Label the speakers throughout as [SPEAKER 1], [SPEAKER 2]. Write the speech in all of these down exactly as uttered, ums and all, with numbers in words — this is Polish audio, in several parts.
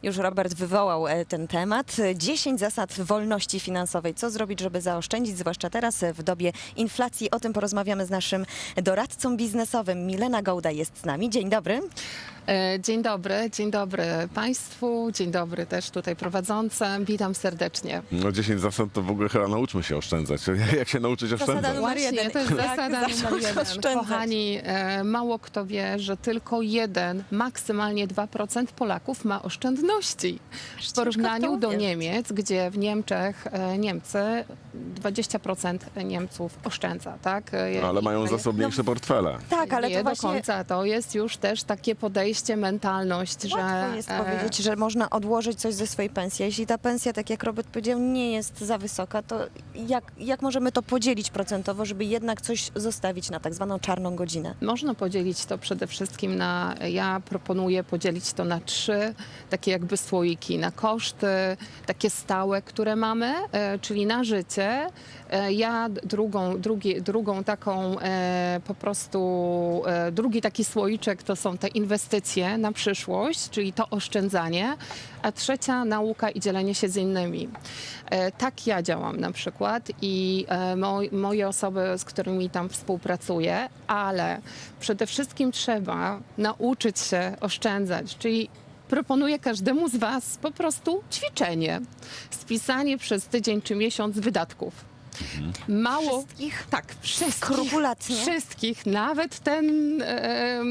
[SPEAKER 1] Już Robert wywołał e, ten temat. dziesięć zasad wolności finansowej. Co zrobić, żeby zaoszczędzić, zwłaszcza teraz w dobie inflacji? O tym porozmawiamy z naszym doradcą biznesowym. Milena Gołda jest z nami. Dzień dobry.
[SPEAKER 2] Dzień dobry, dzień dobry Państwu, dzień dobry też tutaj prowadzącym. Witam serdecznie.
[SPEAKER 3] No dziesięć zasad to w ogóle chyba nauczmy się oszczędzać. Jak się nauczyć oszczędzać?
[SPEAKER 1] Zasada numer
[SPEAKER 2] Właśnie,
[SPEAKER 1] jeden.
[SPEAKER 2] to jest
[SPEAKER 1] Jak
[SPEAKER 2] zasada
[SPEAKER 1] zacząć
[SPEAKER 2] numer jeden.
[SPEAKER 1] oszczędzać?
[SPEAKER 2] Kochani, e, mało kto wie, że tylko jeden, maksymalnie dwa procent Polaków ma oszczędności. W porównaniu do Niemiec, gdzie w Niemczech e, Niemcy dwadzieścia procent Niemców oszczędza, tak? E,
[SPEAKER 3] No, ale mają
[SPEAKER 2] i-
[SPEAKER 3] zasobniejsze portfele.
[SPEAKER 1] Tak, ale
[SPEAKER 2] nie
[SPEAKER 1] to
[SPEAKER 2] do
[SPEAKER 1] właśnie
[SPEAKER 2] końca. To jest już też takie podejście, mentalność, że
[SPEAKER 1] łatwo jest
[SPEAKER 2] e,
[SPEAKER 1] powiedzieć, że można odłożyć coś ze swojej pensji. Jeśli ta pensja, tak jak Robert powiedział, nie jest za wysoka, to jak, jak możemy to podzielić procentowo, żeby jednak coś zostawić na tak zwaną czarną godzinę?
[SPEAKER 2] Można podzielić to przede wszystkim na, ja proponuję podzielić to na trzy takie jakby słoiki, na koszty takie stałe, które mamy, e, czyli na życie. E, ja drugą, drugi, drugą taką e, po prostu, e, drugi taki słoiczek to są te inwestycje na przyszłość, czyli to oszczędzanie, a trzecia nauka i dzielenie się z innymi. E, tak ja działam na przykład i e, moj, moje osoby, z którymi tam współpracuję, ale przede wszystkim trzeba nauczyć się oszczędzać, czyli proponuję każdemu z Was po prostu ćwiczenie, spisanie przez tydzień czy miesiąc wydatków. Mało,
[SPEAKER 1] Wszystkich?
[SPEAKER 2] tak, wszystkich,
[SPEAKER 1] Skrupulatnie?
[SPEAKER 2] wszystkich, nawet ten e,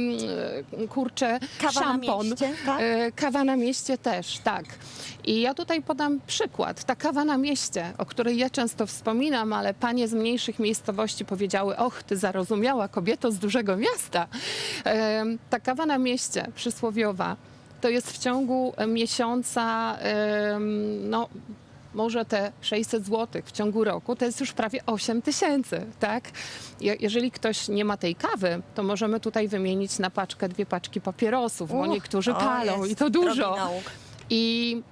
[SPEAKER 2] e, kurczę
[SPEAKER 1] Kawa na
[SPEAKER 2] szampon,
[SPEAKER 1] mieście, tak?
[SPEAKER 2] e, kawa na mieście też, tak. I ja tutaj podam przykład. Ta kawa na mieście, o której ja często wspominam, ale panie z mniejszych miejscowości powiedziały: och, ty zarozumiała kobieto z dużego miasta. E, ta kawa na mieście przysłowiowa to jest w ciągu miesiąca, e, no może te sześćset złotych w ciągu roku, to jest już prawie osiem tysięcy, tak? Je- Jeżeli ktoś nie ma tej kawy, to możemy tutaj wymienić na paczkę dwie paczki papierosów, bo
[SPEAKER 1] Uch,
[SPEAKER 2] niektórzy
[SPEAKER 1] o,
[SPEAKER 2] palą
[SPEAKER 1] jest
[SPEAKER 2] i to dużo.
[SPEAKER 1] drogi nauk.
[SPEAKER 2] I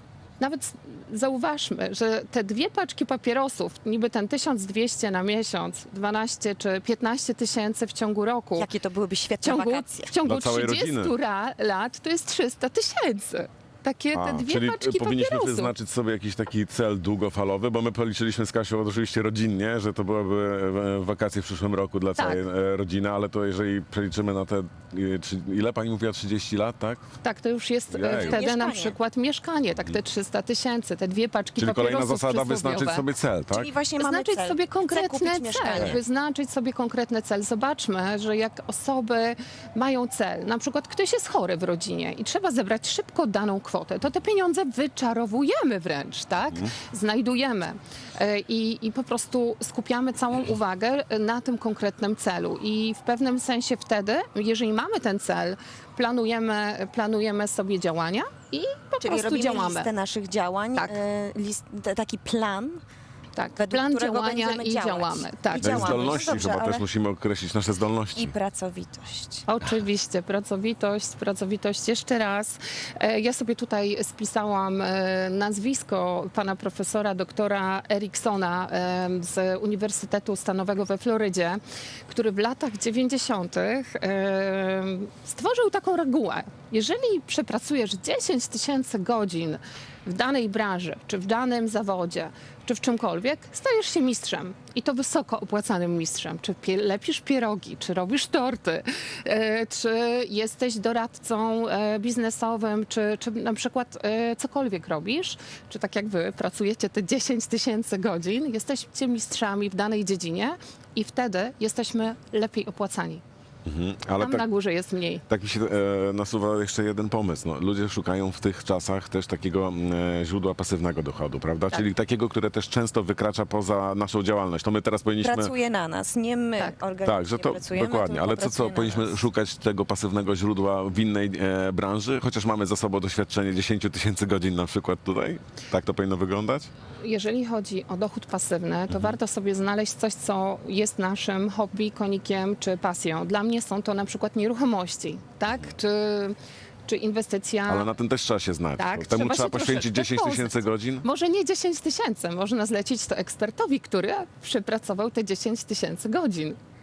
[SPEAKER 2] nawet zauważmy, że te dwie paczki papierosów, niby ten tysiąc dwieście na miesiąc, dwanaście czy piętnaście tysięcy w ciągu roku,
[SPEAKER 1] Jakie to byłyby
[SPEAKER 2] w
[SPEAKER 1] świetne
[SPEAKER 2] ciągu,
[SPEAKER 1] wakacje.
[SPEAKER 2] w ciągu
[SPEAKER 3] Dla całej
[SPEAKER 2] trzydziestu
[SPEAKER 3] rodziny.
[SPEAKER 2] ra- lat to jest trzysta tysięcy. Takie te
[SPEAKER 3] A,
[SPEAKER 2] dwie
[SPEAKER 3] czyli
[SPEAKER 2] paczki
[SPEAKER 3] powinniśmy
[SPEAKER 2] papierosów.
[SPEAKER 3] wyznaczyć sobie jakiś taki cel długofalowy, bo my policzyliśmy z Kasią oczywiście rodzinnie, że to byłyby e, wakacje w przyszłym roku dla
[SPEAKER 2] Tak.
[SPEAKER 3] całej e, rodziny, ale to jeżeli przeliczymy na te, e, czy, ile pani mówiła, trzydzieści lat, tak?
[SPEAKER 2] Tak, to już jest e,
[SPEAKER 3] Jeju.
[SPEAKER 2] wtedy na
[SPEAKER 1] Mieszkanie.
[SPEAKER 2] przykład mieszkanie, tak te trzysta tysięcy, te dwie paczki
[SPEAKER 3] Czyli kolejna
[SPEAKER 2] papierosów
[SPEAKER 3] zasada,
[SPEAKER 2] przysłowiowe.
[SPEAKER 3] wyznaczyć sobie cel, tak?
[SPEAKER 1] Czyli właśnie mamy
[SPEAKER 2] Wyznaczyć
[SPEAKER 1] cel.
[SPEAKER 2] sobie
[SPEAKER 1] Chcę
[SPEAKER 2] konkretny
[SPEAKER 1] kupić
[SPEAKER 2] cel.
[SPEAKER 1] mieszkanie.
[SPEAKER 2] Wyznaczyć sobie konkretny cel. Zobaczmy, że jak osoby mają cel, na przykład ktoś jest chory w rodzinie i trzeba zebrać szybko daną kwotę, to te pieniądze wyczarowujemy wręcz, tak? Znajdujemy E, i, i po prostu skupiamy całą uwagę na tym konkretnym celu. I w pewnym sensie wtedy, jeżeli mamy ten cel, planujemy, planujemy sobie działania i po
[SPEAKER 1] Czyli
[SPEAKER 2] prostu
[SPEAKER 1] robimy
[SPEAKER 2] działamy.
[SPEAKER 1] listę naszych działań,
[SPEAKER 2] Tak.
[SPEAKER 1] e, list, t- taki plan,
[SPEAKER 2] Tak,
[SPEAKER 1] według
[SPEAKER 2] plan
[SPEAKER 1] którego
[SPEAKER 2] działania
[SPEAKER 1] będziemy
[SPEAKER 2] i
[SPEAKER 1] działać.
[SPEAKER 2] działamy. Tak.
[SPEAKER 1] I
[SPEAKER 3] Te
[SPEAKER 1] działamy.
[SPEAKER 3] zdolności
[SPEAKER 1] No dobrze,
[SPEAKER 3] chyba
[SPEAKER 1] ale-
[SPEAKER 3] też musimy określić, nasze zdolności.
[SPEAKER 1] i pracowitość.
[SPEAKER 2] Oczywiście, pracowitość, pracowitość. Jeszcze raz, e, ja sobie tutaj spisałam e, nazwisko pana profesora doktora Eriksona e, z Uniwersytetu Stanowego we Florydzie, który w latach dziewięćdziesiątych e, stworzył taką regułę. Jeżeli przepracujesz dziesięć tysięcy godzin w danej branży, czy w danym zawodzie, czy w czymkolwiek, stajesz się mistrzem. I to wysoko opłacanym mistrzem. Czy pie, lepisz pierogi, czy robisz torty, e, czy jesteś doradcą e, biznesowym, czy, czy na przykład e, cokolwiek robisz, czy tak jak wy pracujecie te dziesięć tysięcy godzin, jesteście mistrzami w danej dziedzinie i wtedy jesteśmy lepiej opłacani.
[SPEAKER 3] Mhm, ale
[SPEAKER 2] Tam
[SPEAKER 3] tak,
[SPEAKER 2] na górze jest mniej.
[SPEAKER 3] tak mi się e, nasuwa jeszcze jeden pomysł. No, ludzie szukają w tych czasach też takiego e, źródła pasywnego dochodu, prawda?
[SPEAKER 2] Tak.
[SPEAKER 3] Czyli takiego, które też często wykracza poza naszą działalność. To my teraz powinniśmy...
[SPEAKER 1] Pracuje na nas, nie my
[SPEAKER 2] Tak.
[SPEAKER 1] organicznie
[SPEAKER 3] Tak, że to
[SPEAKER 1] pracujemy,
[SPEAKER 3] dokładnie,
[SPEAKER 1] tylko
[SPEAKER 3] ale co, co
[SPEAKER 1] pracuje na
[SPEAKER 3] powinniśmy
[SPEAKER 1] nas.
[SPEAKER 3] szukać tego pasywnego źródła w innej e, branży, chociaż mamy za sobą doświadczenie dziesięć tysięcy godzin na przykład tutaj? Tak to powinno wyglądać?
[SPEAKER 2] Jeżeli chodzi o dochód pasywny, to warto sobie znaleźć coś, co jest naszym hobby, konikiem czy pasją. Dla mnie są to na przykład nieruchomości, tak? Czy, czy inwestycja...
[SPEAKER 3] Ale na tym też trzeba się znać.
[SPEAKER 2] Tak,
[SPEAKER 3] Bo Temu
[SPEAKER 2] trzeba
[SPEAKER 3] trzeba
[SPEAKER 2] się
[SPEAKER 3] poświęcić
[SPEAKER 2] troszeczkę
[SPEAKER 3] dziesięć tysięcy
[SPEAKER 2] poznać.
[SPEAKER 3] godzin?
[SPEAKER 2] Może nie dziesięć tysięcy, można zlecić to ekspertowi, który przepracował te dziesięć tysięcy godzin.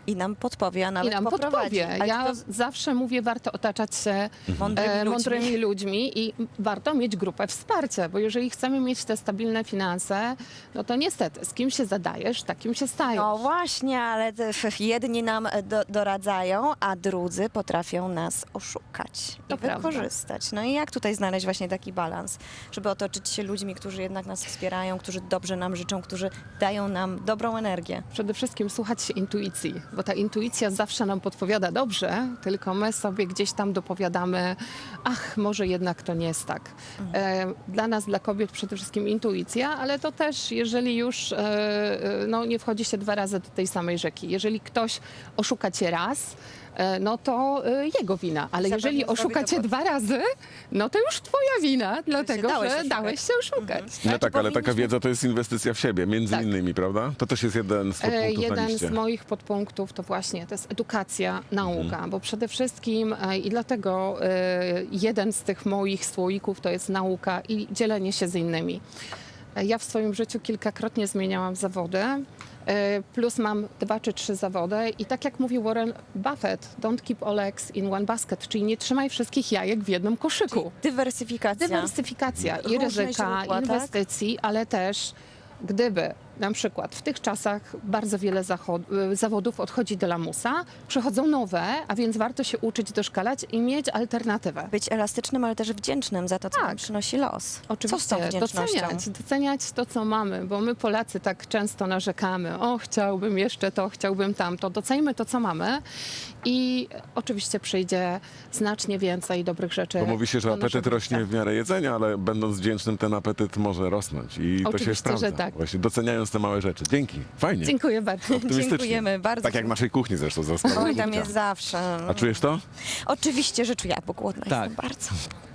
[SPEAKER 1] I nam podpowie, a nawet
[SPEAKER 2] I nam
[SPEAKER 1] poprowadzi.
[SPEAKER 2] podpowie.
[SPEAKER 1] Ale
[SPEAKER 2] Ja
[SPEAKER 1] to
[SPEAKER 2] zawsze mówię, warto otaczać się
[SPEAKER 1] mądrymi
[SPEAKER 2] e,
[SPEAKER 1] ludźmi.
[SPEAKER 2] mądrymi ludźmi i warto mieć grupę wsparcia, bo jeżeli chcemy mieć te stabilne finanse, no to niestety, z kim się zadajesz, takim się stajesz.
[SPEAKER 1] No właśnie, ale te- jedni nam do, doradzają, a drudzy potrafią nas oszukać
[SPEAKER 2] To
[SPEAKER 1] i
[SPEAKER 2] prawda.
[SPEAKER 1] wykorzystać. No i jak tutaj znaleźć właśnie taki balans, żeby otoczyć się ludźmi, którzy jednak nas wspierają, którzy dobrze nam życzą, którzy dają nam dobrą energię.
[SPEAKER 2] Przede wszystkim słuchać się intuicji, bo ta intuicja zawsze nam podpowiada dobrze, tylko my sobie gdzieś tam dopowiadamy, ach, może jednak to nie jest tak. E, dla nas, dla kobiet przede wszystkim intuicja, ale to też, jeżeli już e, e, no, nie wchodzi się dwa razy do tej samej rzeki. Jeżeli ktoś oszuka cię raz, e, no to e, jego wina, ale
[SPEAKER 1] Zapewne
[SPEAKER 2] jeżeli
[SPEAKER 1] zrobi
[SPEAKER 2] oszuka
[SPEAKER 1] to
[SPEAKER 2] cię
[SPEAKER 1] po-
[SPEAKER 2] dwa razy, no to już twoja wina, dlatego
[SPEAKER 1] dałeś
[SPEAKER 2] że
[SPEAKER 1] oszukać.
[SPEAKER 2] dałeś się oszukać.
[SPEAKER 3] No
[SPEAKER 1] Ale
[SPEAKER 3] tak,
[SPEAKER 1] czy
[SPEAKER 3] ale taka
[SPEAKER 1] powinniśmy-
[SPEAKER 3] wiedza to jest inwestycja w siebie, między
[SPEAKER 2] Tak.
[SPEAKER 3] innymi, prawda? To też jest jeden z
[SPEAKER 2] E,
[SPEAKER 3] podpunktów na
[SPEAKER 2] Jeden
[SPEAKER 3] liście.
[SPEAKER 2] z moich podpunktów to właśnie to jest edukacja, nauka, bo przede wszystkim e, i dlatego e, jeden z tych moich słoików to jest nauka i dzielenie się z innymi. E, Ja w swoim życiu kilkakrotnie zmieniałam zawody, e, plus mam dwa czy trzy zawody i tak jak mówił Warren Buffett, don't keep all eggs in one basket, czyli nie trzymaj wszystkich jajek w jednym koszyku.
[SPEAKER 1] Dywersyfikacja.
[SPEAKER 2] Dywersyfikacja i
[SPEAKER 1] Różne
[SPEAKER 2] ryzyka,
[SPEAKER 1] źródła, tak?
[SPEAKER 2] inwestycji, ale też gdyby na przykład w tych czasach bardzo wiele zachod- y, zawodów odchodzi do lamusa, przychodzą nowe, a więc warto się uczyć, doszkalać i mieć alternatywę.
[SPEAKER 1] Być elastycznym, ale też wdzięcznym za to, co
[SPEAKER 2] Tak.
[SPEAKER 1] nam przynosi los. Co z tą
[SPEAKER 2] Oczywiście
[SPEAKER 1] wdzięcznością?
[SPEAKER 2] doceniać, doceniać to, co mamy, bo my Polacy tak często narzekamy, o chciałbym jeszcze to, chciałbym tamto. Doceńmy to, co mamy i oczywiście przyjdzie znacznie więcej dobrych rzeczy.
[SPEAKER 3] Bo mówi się, że
[SPEAKER 2] do
[SPEAKER 3] apetyt
[SPEAKER 2] naszego
[SPEAKER 3] rośnie
[SPEAKER 2] życia.
[SPEAKER 3] w miarę jedzenia, ale będąc wdzięcznym, ten apetyt może rosnąć. I to się
[SPEAKER 2] Oczywiście,
[SPEAKER 3] sprawdza.
[SPEAKER 2] że tak.
[SPEAKER 3] Właśnie doceniając te małe rzeczy. Dzięki. Fajnie.
[SPEAKER 2] Dziękuję bardzo.
[SPEAKER 3] Optymistycznie.
[SPEAKER 1] Dziękujemy bardzo.
[SPEAKER 3] Tak jak w naszej kuchni zresztą za
[SPEAKER 1] Oj, tam jest zawsze.
[SPEAKER 3] A czujesz to?
[SPEAKER 1] Oczywiście, że czuję, bo głodna
[SPEAKER 4] Tak.
[SPEAKER 1] jestem bardzo.